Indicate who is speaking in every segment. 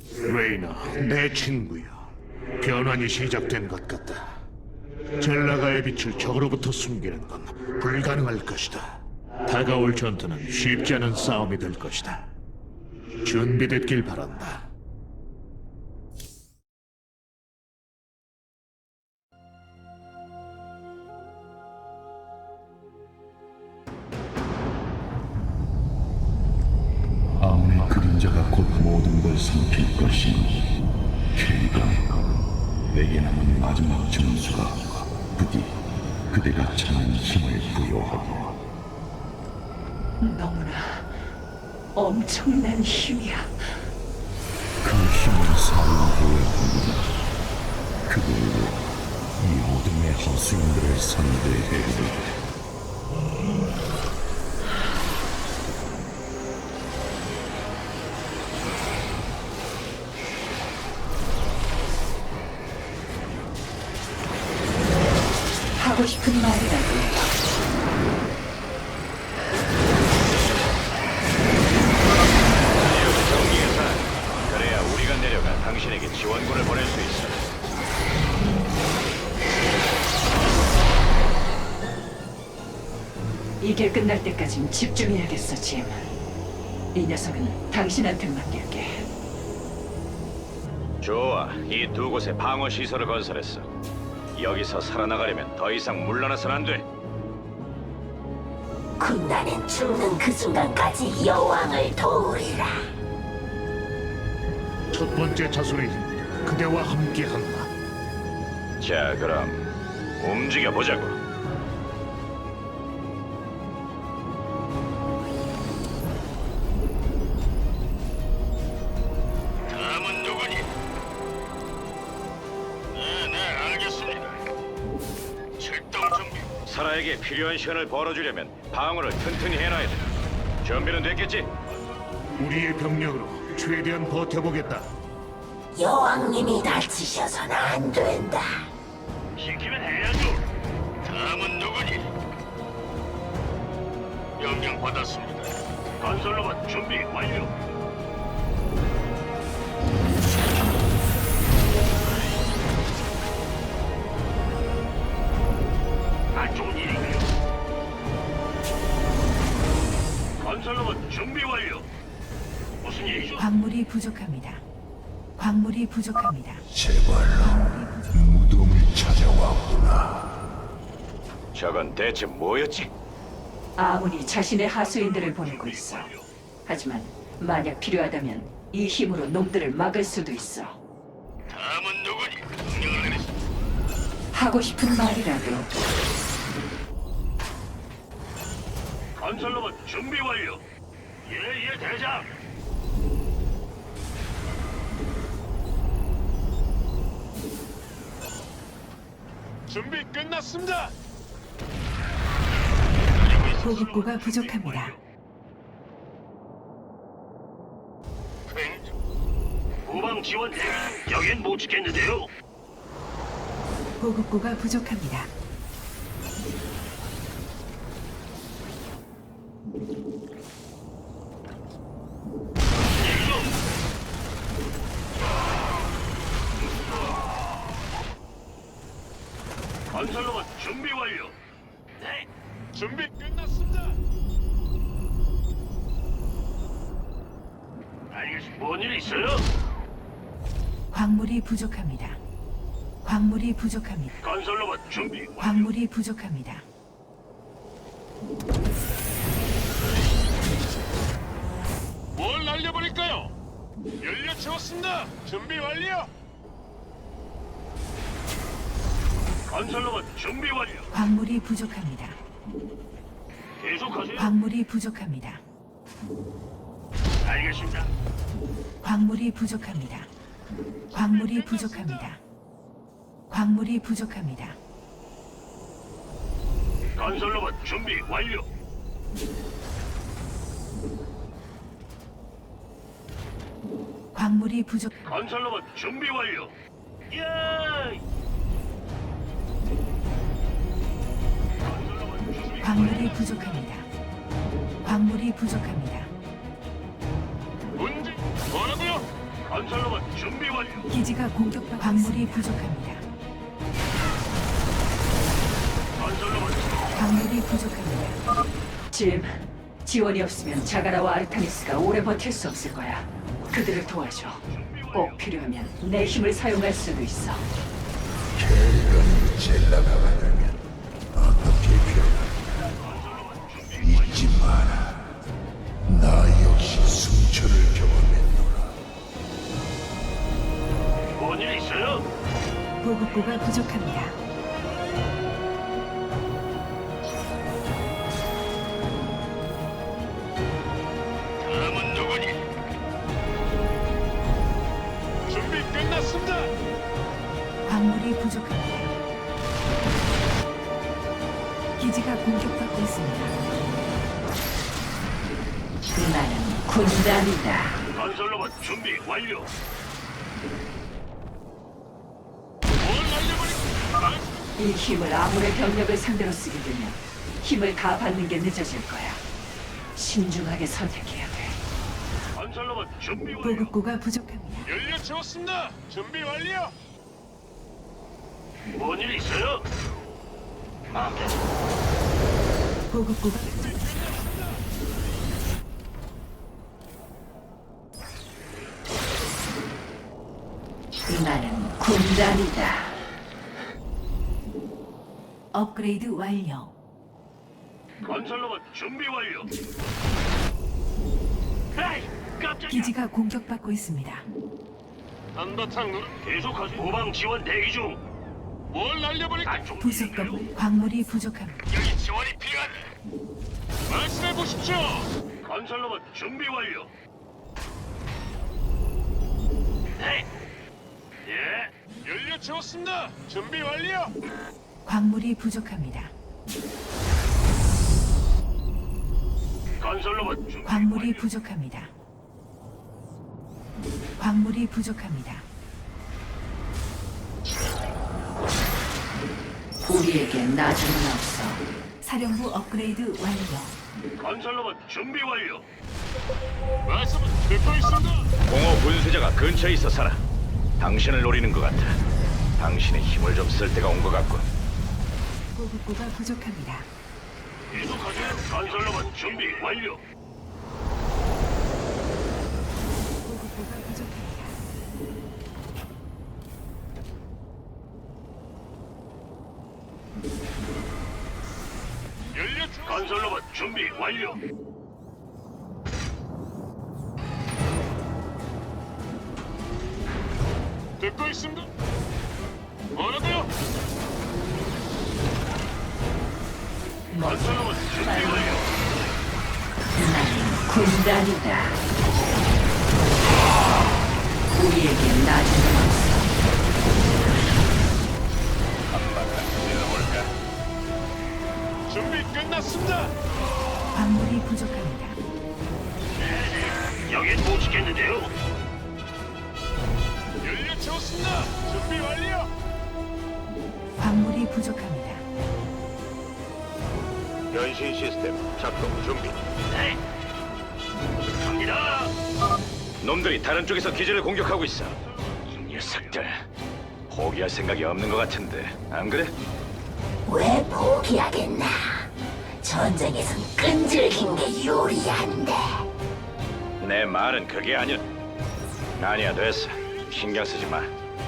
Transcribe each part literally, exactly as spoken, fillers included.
Speaker 1: 레이나, 내 친구야. 변환이 시작된 것 같다. 젤라가의 빛을 적으로부터 숨기는 건 불가능할 것이다. 다가올 전투는 쉽지 않은 싸움이 될 것이다. 준비됐길 바란다.
Speaker 2: 아몬의 그림자가 곧 모든 걸 삼킬 것이니 케이가 내게 남은 마지막 점수가 부디 그대가 찾는 힘을 부여하고
Speaker 3: 너무나 엄청난 힘이야.
Speaker 2: 그 힘을 사용해야 합니다. 그걸로 이 어둠의 하수인들을 상대해야
Speaker 3: 하고 싶은 말이라도.
Speaker 4: 그래야 우리가 내려가 당신에게 지원군을 보낼 수 있어.
Speaker 3: 이게 끝날 때까진 집중해야겠어, 짐. 이 녀석은 당신한테 맡길게.
Speaker 4: 좋아, 이 두 곳에 방어 시설을 건설했어. 여기서 살아나가려면 더 이상 물러나선 안 돼.
Speaker 5: 군단은 죽는 그 순간까지 여왕을 도우리라.
Speaker 1: 첫 번째 자손의 힘, 그대와 함께한다.
Speaker 4: 자, 그럼 움직여 보자고. 다음은 누구니? 네, 네, 알겠습니다. 출동 준비. 사라에게 필요한 시간을 벌어주려면 방어를 튼튼히 해놔야 돼. 준비는 됐겠지?
Speaker 1: 우리의 병력으로 최대한 버텨보겠다.
Speaker 5: 여왕님이 다치셔서는 안 된다.
Speaker 4: 시키면 해야죠. 다음은 누구니? 명령 받았습니다. 건설로봇 준비 완료. 안 좋은 일인가요? 건설로봇 준비 완료. 무슨 일이죠?
Speaker 6: 광물이 부족합니다. 광물이 부족합니다.
Speaker 2: 제발로 무덤을 찾아왔구나.
Speaker 4: 저건 대체 뭐였지?
Speaker 3: 아무니 자신의 하수인들을 보내고 있어. 하지만 만약 필요하다면 이 힘으로 놈들을 막을 수도 있어.
Speaker 4: 다음은 누구니? 명령을 내리시.
Speaker 3: 하고 싶은 말이라도.
Speaker 4: 건설로봇 준비 완료. 예예 대장. 준비 끝났습니다.
Speaker 6: 보급고가 부족합니다.
Speaker 4: 후방 지원 대기. 여긴 못 지켰는데요.
Speaker 6: 보급고가 부족합니다.
Speaker 4: 건설로봇 준비 완료. 네. 준비 끝났습니다. 알겠습니다. 뭔일 있어요?
Speaker 6: 광물이 부족합니다. 광물이 부족합니다.
Speaker 4: 건설로봇 준비 완료.
Speaker 6: 광물이 부족합니다.
Speaker 4: 뭘 날려버릴까요? 연료 채웠습니다. 준비 완료. 건설로봇 준비 완료.
Speaker 6: 광물이 부족합니다.
Speaker 4: 계속하세요.
Speaker 6: 광물이 부족합니다.
Speaker 4: 알겠습니다.
Speaker 6: 광물이 부족합니다. 광물이 부족합니다. 광물이 부족합니다.
Speaker 4: 건설로봇 준비 완료.
Speaker 6: 광물이 부족.
Speaker 4: 건설로봇 준비 완료. 예. 건설로봇 준비
Speaker 6: 광물이 부족합니다. 광물이 부족합니다.
Speaker 4: 문제 뭐라고요? 건설로봇 준비 완료.
Speaker 6: 기지가 공격받고 광물이 부족합니다.
Speaker 4: 건설로봇
Speaker 6: 광물이 부족합니다.
Speaker 3: 짐, 지원이 없으면 자가라와 아르타니스가 오래 버틸 수 없을 거야. 그들을 도와줘. 꼭 필요하면 내 힘을 사용할 수도 있어.
Speaker 2: 캐리건이 젤라가려면 어떻게 변할까? 잊지 마라. 나 역시 승천을 경험했노라.
Speaker 4: 뭔일 있어요?
Speaker 6: 보급고가 부족합니다.
Speaker 4: 다음은 누구니? 준비 끝났습니다.
Speaker 6: 광물이 부족합니다. 기지가 공격받고 있습니다.
Speaker 3: 나는 군단이다.
Speaker 4: 건설로봇 준비 완료. 뭘 날려버릴까?
Speaker 3: 이 힘을 아무의 병력을 상대로 쓰게 되면 힘을 다 받는 게 늦어질 거야. 신중하게 선택해야 돼.
Speaker 4: 건설로봇 준비 완료.
Speaker 6: 보급고가 부족합니다.
Speaker 4: 연료 채웠습니다. 준비 완료. 뭔일 있어요?
Speaker 6: 보급고가 부족합니다.
Speaker 3: 나는 군단이다.
Speaker 6: 업그레이드 완료.
Speaker 4: 건설로봇 준비 완료. 에이, 깜짝이야.
Speaker 6: 기지가 공격받고 있습니다.
Speaker 4: 한바탕 놀 계속하지. 후방 지원 대기 중. 뭘 날려버릴까?
Speaker 6: 부속 건물 광물이 부족합니다.
Speaker 4: 여기 지원이 필요하네. 말씀해 보십시오. 건설로봇 준비 완료. 네. 예. 연료 채웠습니다. 준비 완료.
Speaker 6: 광물이 부족합니다.
Speaker 4: 건설로봇 준비
Speaker 6: 광물이
Speaker 4: 완료.
Speaker 6: 부족합니다. 광물이 부족합니다.
Speaker 3: 우리에게 나중은 없어.
Speaker 6: 사령부 업그레이드 완료.
Speaker 4: 건설로봇 준비 완료. 말씀은 듣고 있습니다. 공허 분쇄자가 근처에 있어 살아. 당신을 노리는 것 같아. 당신의 힘을 좀 쓸 때가 온 것 같군.
Speaker 6: 보급고가 부족합니다.
Speaker 4: 계속하세요. 건설로봇 준비 완료.
Speaker 6: 보급고가 부족합니다.
Speaker 4: 연료 채- 건설로봇 준비 완료. 듣고 있습니다. 뭐라고요? 건설로봇 준비 완료.
Speaker 3: 나는 군단이다. 우리에게 나중은 없어.
Speaker 4: 준비 끝났습니다.
Speaker 6: 광물이 부족합니다.
Speaker 4: 여긴 못 지켰는데요. 연료 채웠습니다. 준비 완료.
Speaker 6: 광물이 부족합니다.
Speaker 4: 변신 시스템 작동 준비. 네. 갑니다. 놈들이 다른 쪽에서 기지를 공격하고 있어. 이 녀석들 포기할 생각이 없는 것 같은데 안 그래?
Speaker 5: 왜 포기하겠나? 전쟁에선 끈질긴 게 유리한데.
Speaker 4: 내 말은 그게 아니야. 아니야 됐어. 신경 쓰지 마.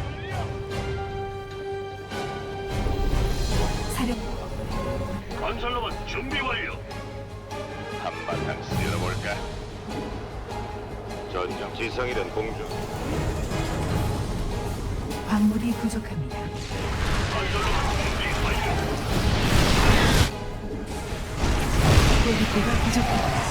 Speaker 6: 사령
Speaker 4: 건설로봇 준비 완료. 한바탕 쓸어볼까? 전장 지성이든 공중.
Speaker 6: 광물이 부족합니다.
Speaker 4: 건설로봇 준비 완료.
Speaker 6: 보급고가 부족합니다.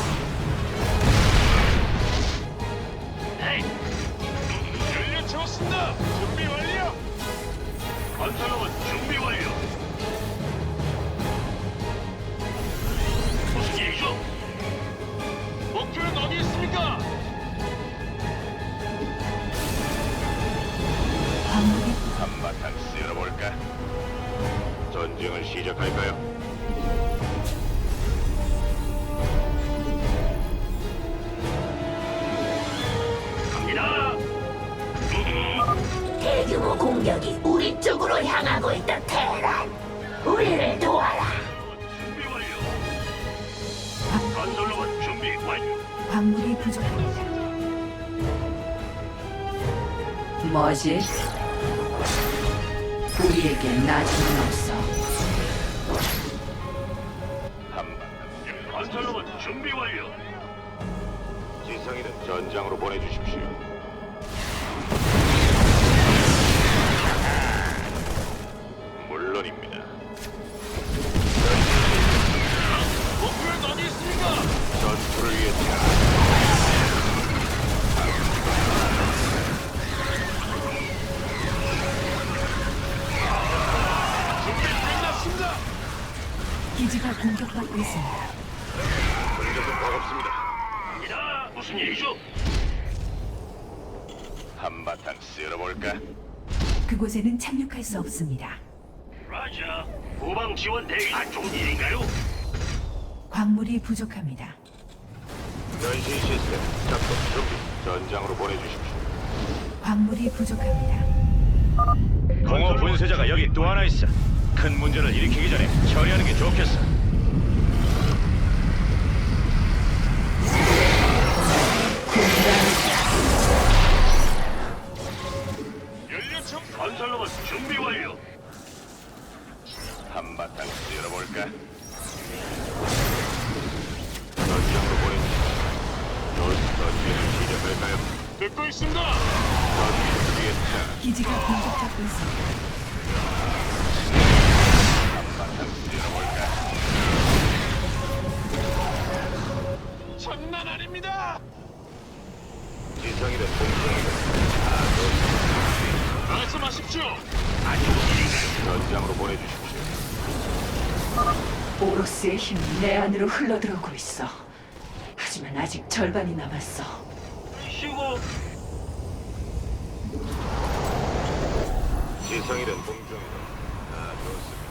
Speaker 4: 에이. 연료 채웠습니다. 준비 완료. 건설로봇 준비 완료. 무슨 일이죠? 목표는 어디 있습니까?
Speaker 6: 광물이
Speaker 4: 한바탕 쓸어볼까? 전쟁을 시작할까요? 갑니다.
Speaker 5: 방어 공격이 우리 쪽으로 향하고 있다, 테란. 우리를 도와라.
Speaker 4: 준비 완료. 건설로봇 준비 완료.
Speaker 6: 광물이 부족합니다.
Speaker 3: 뭐지? 우리에게 나중은 없어.
Speaker 4: 한방. 건설로봇 준비 완료. 지성이는 전장으로 보내주십시오. 물론입니다. 목표는 어디 있습니까? 전투를 위해 준비 끝났습니다.
Speaker 6: 기지가 공격받고 있습니다.
Speaker 4: 전적은 버겁습니다. 야, 무슨 일이죠? 한바탕 쓸어볼까?
Speaker 6: 그곳에는 착륙할 수 없습니다.
Speaker 4: 라자, 후방 지원 대기. 안 좋은 일인가요?
Speaker 6: 광물이 부족합니다.
Speaker 4: 변신 시스템 작동 준비. 전장으로 보내주십시오.
Speaker 6: 광물이 부족합니다.
Speaker 4: 공허 분쇄자가 여기 또 하나 있어. 큰 문제를 일으키기 전에 처리하는 게 좋겠어. 연료총 건설로봇 준비 완료. 한바탕 쓸어볼까? 전장으로 보내주십시오. 전투를 시작할까요? 듣고 있습니다. 전투를 위해
Speaker 6: 기지가 공격받고 있습니다.
Speaker 4: 한바탕 쓸어볼까? 장난 아닙니다. 지성이든 공성이든 다 말씀하십시오. 아주 전장으로 보내주십시오.
Speaker 3: 오로스의 힘이 내 안으로 흘러들어오고 있어. 하지만 아직 절반이 남았어.
Speaker 4: 쉬고 지성이든 공성이든 다 좋습니다.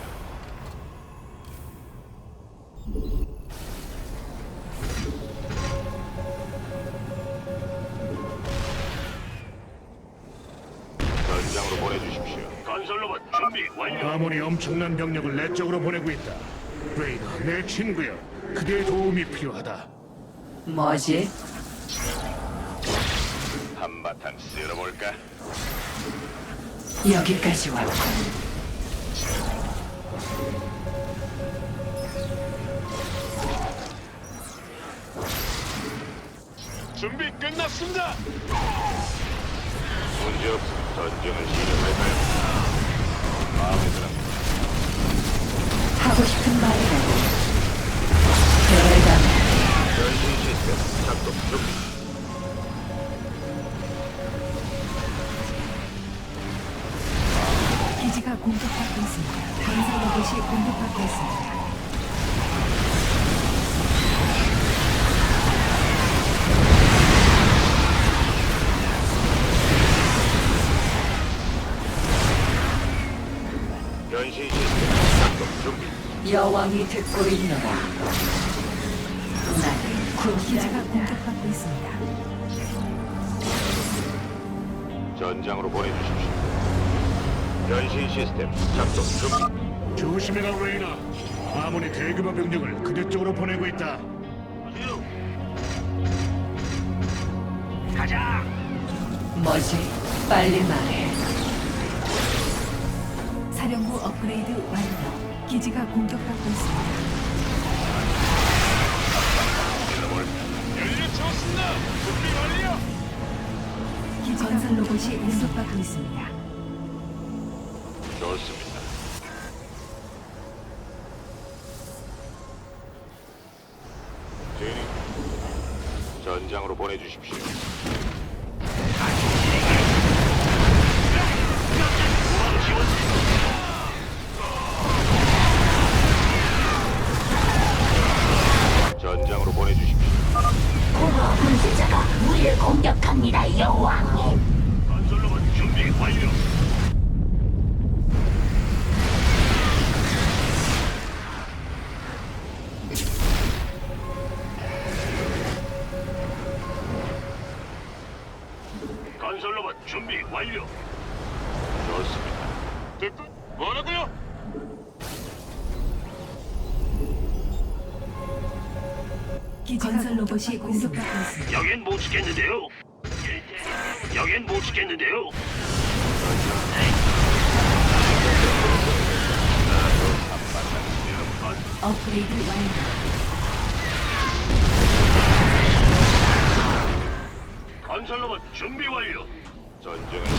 Speaker 4: 전장으로 보내주십시오. 건설로봇 준비 완료.
Speaker 1: 아몬이 엄청난 병력을 내 쪽으로 보내고 있다. 레이너, 내 친구여. 그대의 도움이 필요하다.
Speaker 3: 뭐지?
Speaker 4: 한바탕 쓸어볼까?
Speaker 3: 여기까지 왔고.
Speaker 4: 준비 끝났습니다. 문제 없으면 전쟁을 시작할까요? 마음에 드는
Speaker 3: 하고 싶은 말이라고. 대담해.
Speaker 4: 변신 시스템 작동 준비.
Speaker 6: 기지가 공격받고 있습니다. 건설 로봇이 공격받고 있습니다.
Speaker 4: 변신 시스템 작동 준비.
Speaker 3: 여왕이 듣고 있노라. 나는
Speaker 6: 기지가
Speaker 3: 군기자다.
Speaker 6: 공격받고 있습니다.
Speaker 4: 전장으로 보내주십시오. 변신 시스템 작동 준비.
Speaker 1: 조심해라, 레이너. 아몬이 대규모 병력을 그대 쪽으로 보내고 있다.
Speaker 4: 가자.
Speaker 3: 뭐지? 빨리 말해.
Speaker 6: 사령부 업그레이드 완료. 기지가 공격받고 있습니다.
Speaker 4: 연료 채웠습니다. 준비 완료.
Speaker 6: 기지 건설 로봇이 공격받고 있습니다.
Speaker 4: 좋습니다. 제니, 전장으로 보내주십시오. 전장으로 보내주십시오.
Speaker 5: 공허 분쇄자가 우리를 공격합니다, 여왕님.
Speaker 4: 건설로봇 준비 완료. 건설로봇 준비 완료. 좋습니다. 듣고 뭐라고요?
Speaker 6: 기지가 건설 로봇이 공격받고 있습니다.
Speaker 4: 여긴 못 지켰는데요. 여긴 못 지켰는데요.
Speaker 6: 업그레이드 완료.
Speaker 4: 건설로봇 준비 완료. 전쟁은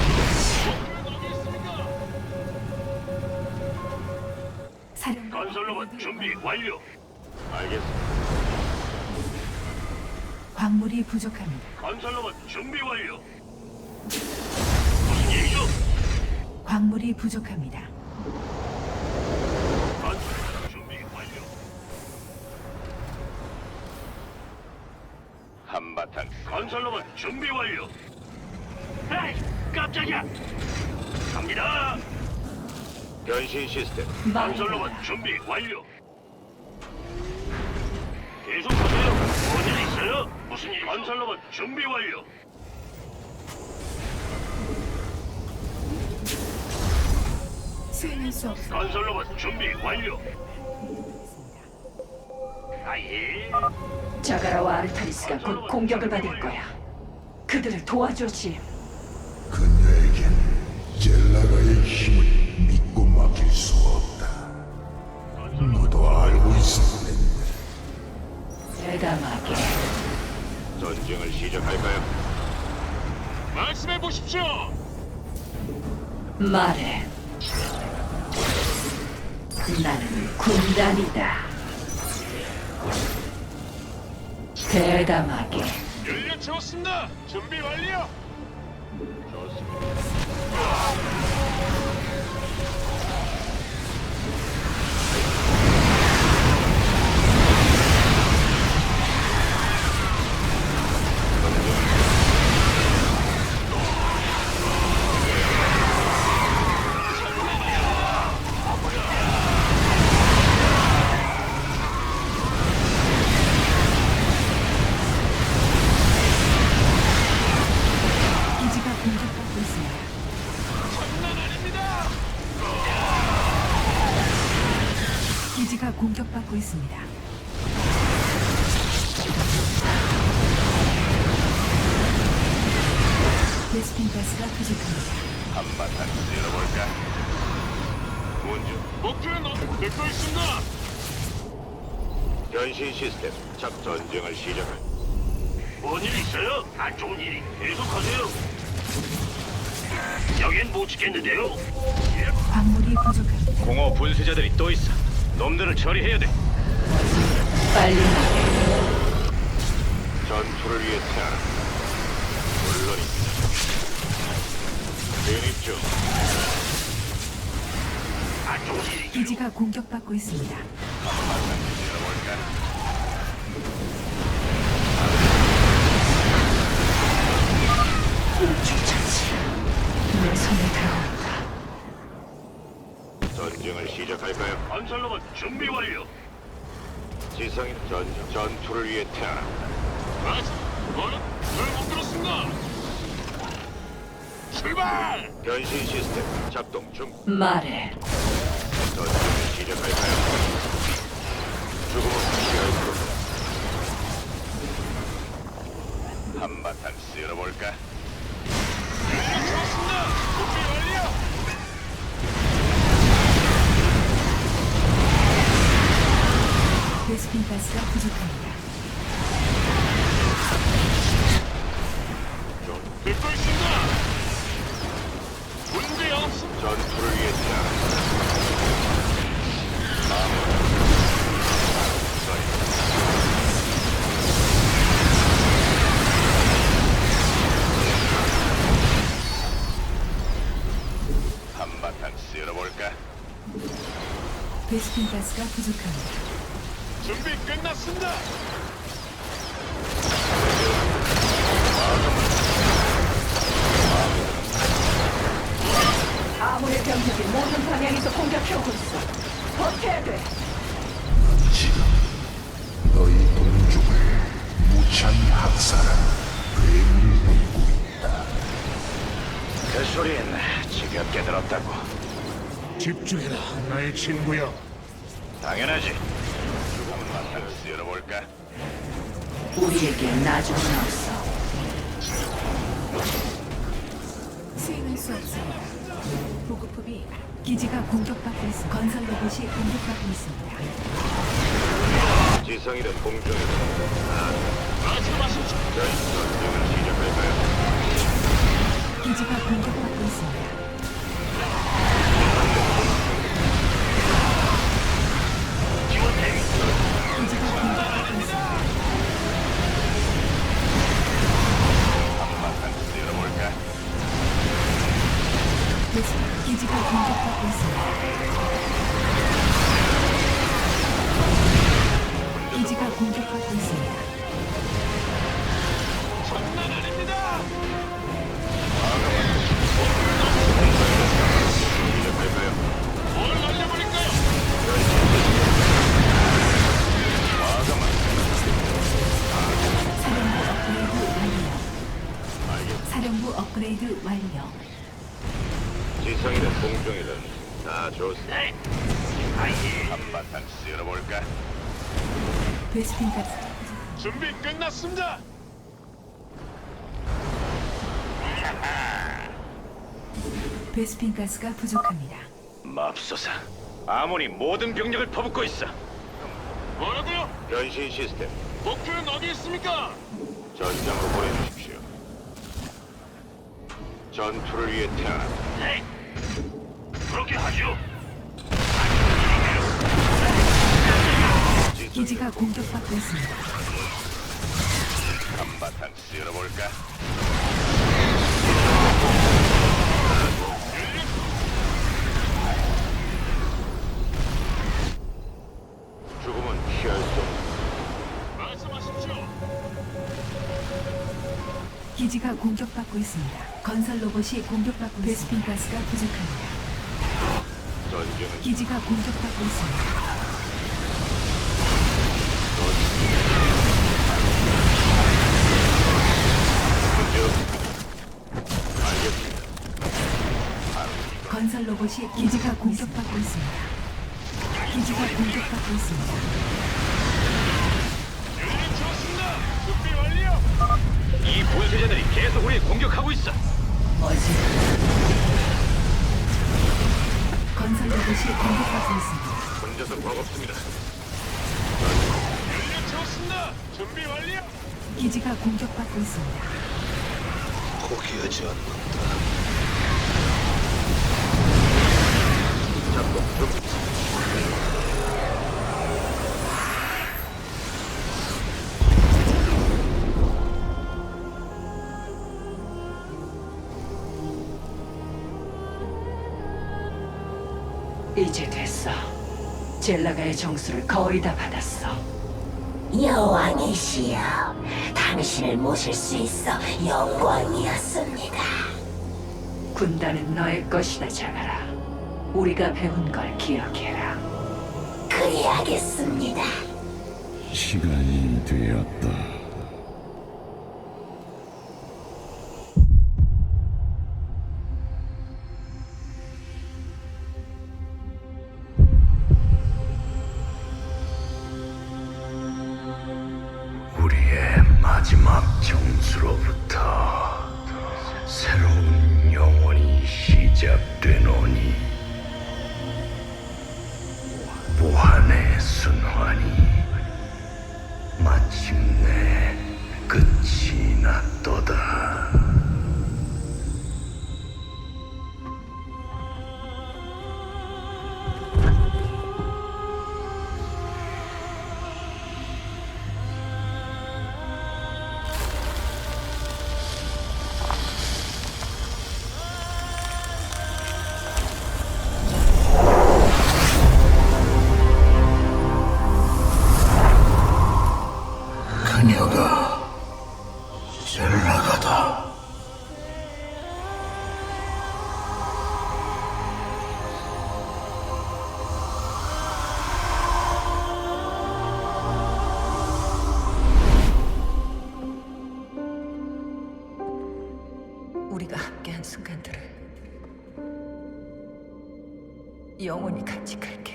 Speaker 6: 사령
Speaker 4: 건설로봇 준비 완료. 알겠습니다.
Speaker 6: 광물이 부족합니다.
Speaker 4: 건설로봇 준비 완료. 무슨 일이죠?
Speaker 6: 광물이 부족합니다.
Speaker 4: 건설로봇 준비 완료. 한바탕 건설로봇 준비 완료. 에이, 깜짝이야. 갑니다. 변신 시스템 건설로봇 준비 완료. 계속하세요. 뭔일 있어요? 무슨 일? 건설로봇 준비 완료.
Speaker 6: 수행할 수 없습니다.
Speaker 4: 건설로봇 준비 완료. 아예.
Speaker 3: 자가라와 아르타니스가 곧 공격을 받을 거야. 그들을 도와줘, 짐.
Speaker 2: 그녀에겐 젤라가의 힘을 믿고 맡길 수 없다. 너도 알고 있었는데.
Speaker 3: 대담하게.
Speaker 4: 전쟁을 시작할까요? 말씀해 보십시오.
Speaker 3: 말해. 나는 군단이다. 대담하게.
Speaker 4: 연료 채웠습니다. 준비 완료. 좋습니다.
Speaker 6: 기지가 공격받고 있습니다.
Speaker 4: 장난 아닙니다.
Speaker 6: 기지가 공격받고 있습니다. 베스핀 가스가 부족합니다.
Speaker 4: 한바탕 쓸어볼까? 문주 목표는 어, 듣고 있습니다. 변신 시스템 작 전쟁을 시작할. 뭔일 있어요? 안 좋은 일이 계속하세요. 여긴 못 지켰는데요.
Speaker 6: 광물이 부족합니다.
Speaker 4: 공허 분쇄자들이 또 있어. 놈들을 처리해야 돼.
Speaker 3: 빨리 말해.
Speaker 4: 전투를 위해 태어나. 물론입니다. 진입 중. 안 좋은 일이
Speaker 6: 기지가 공격받고 있습니다.
Speaker 4: 열어볼까?
Speaker 3: 우주차지. 내 손에 들어온다.
Speaker 4: 전쟁을 시작할까요? 건설로봇 준비 완료. 지성인 전 전투를 위해 태어나. 맞아. 뭐는? 잘못 들었습니다. 출발! 변신 시스템 작동 중.
Speaker 3: 말해.
Speaker 4: 전쟁을 시작할까요? 죽음은 피할 수 없다. 한바탕 쓸어볼까? 좋습니다. 준비 완료.
Speaker 6: 베스핀 가스가 부족합니다.
Speaker 4: 듣고 있습니다. 문제 없음. 전투를 위해 태어나. 한바탕 쓸어볼까?
Speaker 6: 베스핀 가스가 부족합니다.
Speaker 4: 준비 끝났습니다.
Speaker 3: 아무의 병력이 모든 방향에서 공격해오고 있어. 버텨야 돼.
Speaker 2: 지금 너희 동족을 무참히 학살한 괴물이 되고 있다.
Speaker 4: 그 소린 지금 몇 개 들었다고.
Speaker 1: 집중해라, 나의 친구여.
Speaker 4: 당연하지. 죽음은 마땅히 쓸어볼까?
Speaker 3: 우리에게 나중은 없어.
Speaker 6: 수행할 수 없습니다. 보급품이 기지가 공격받고 있습니다. 건설 로봇이 공격받고 있습니다.
Speaker 4: 지성이든 공중이든 말씀하십시오. 저희 전쟁을 시작할까요?
Speaker 6: 기지가 공격받고 있습니다.
Speaker 4: 지원 대기.
Speaker 6: 기지가 공격받고 있습니다.
Speaker 4: 한바탕 쓸어볼까?
Speaker 6: 베스핀 기지가 공격받고 있습니다. 기지가 공격받고 있습니다.
Speaker 4: 장난 아닙니다. 시작할까요? 뭘 날려버릴까요? 과감한
Speaker 6: 사령부 업그레이드 완료. 사령부 업그레이드 완료.
Speaker 4: 지성이든 공중이든 다 좋습니다. 한바탕 쓸어볼까?
Speaker 6: 베스핀 가스
Speaker 4: 준비 끝났습니다.
Speaker 6: 베스핀 가스가 부족합니다.
Speaker 4: 맙소사. 아몬이 모든 병력을 퍼붓고 있어. 뭐라고요? 변신 시스템. 목표는 어디 있습니까? 전장으로 보내주십시오. 전투를 위해 태어난. 네. 그렇게 하죠.
Speaker 6: 기지가 공격받고 있습니다.
Speaker 4: 한바탕 쓸어볼까? 죽음은 피할 수 없다. 말씀하십시오.
Speaker 6: 기지가 공격받고 있습니다. 건설 로봇이 공격받고 베스핀 가스가 부족합니다.
Speaker 4: 전쟁은
Speaker 6: 기지가 공격받고 있습니다.
Speaker 4: 문제 없습니다. 알겠습니다.
Speaker 6: 건설 로봇이 기지가 공격받고 있습니다. 기지가 공격받고 있습니다.
Speaker 4: 준비 완료. 이 분쇄자들이 계속 우리 공격하고 있어.
Speaker 3: 뭐지?
Speaker 6: 건설 로봇이 공격받고 있습니다.
Speaker 4: 혼자서 버겁습니다. 연료 채웠습니다. 준비 완료.
Speaker 6: 기지가 공격받고 있습니다.
Speaker 4: 포기하지 않는다. 작동 준비.
Speaker 3: 이제 됐어. 젤라가의 정수를 거의 다 받았어.
Speaker 5: 여왕이시여, 당신을 모실 수 있어 영광이었습니다.
Speaker 3: 군단은 너의 것이다, 자가라. 우리가 배운 걸 기억해라.
Speaker 5: 그리하겠습니다.
Speaker 2: 시간이 되었다.
Speaker 7: 우리의 마지막 정수로부터 새로운 영원이 시작되노니 무한의 순환이 마침내 끝이 났도다. 그녀가 젤라가다.
Speaker 3: 우리가 함께한 순간들을 영원히 같이 갈게.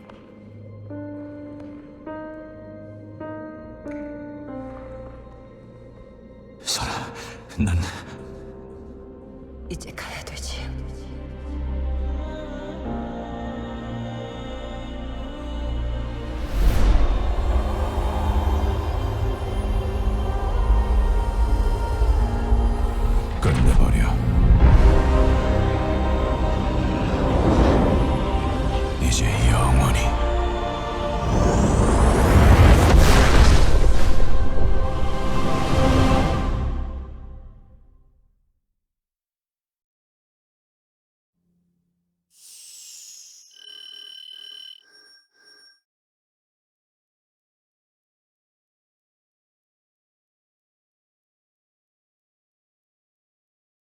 Speaker 2: 설아, 난
Speaker 3: 이제 가야 되지.
Speaker 2: 끝내버려.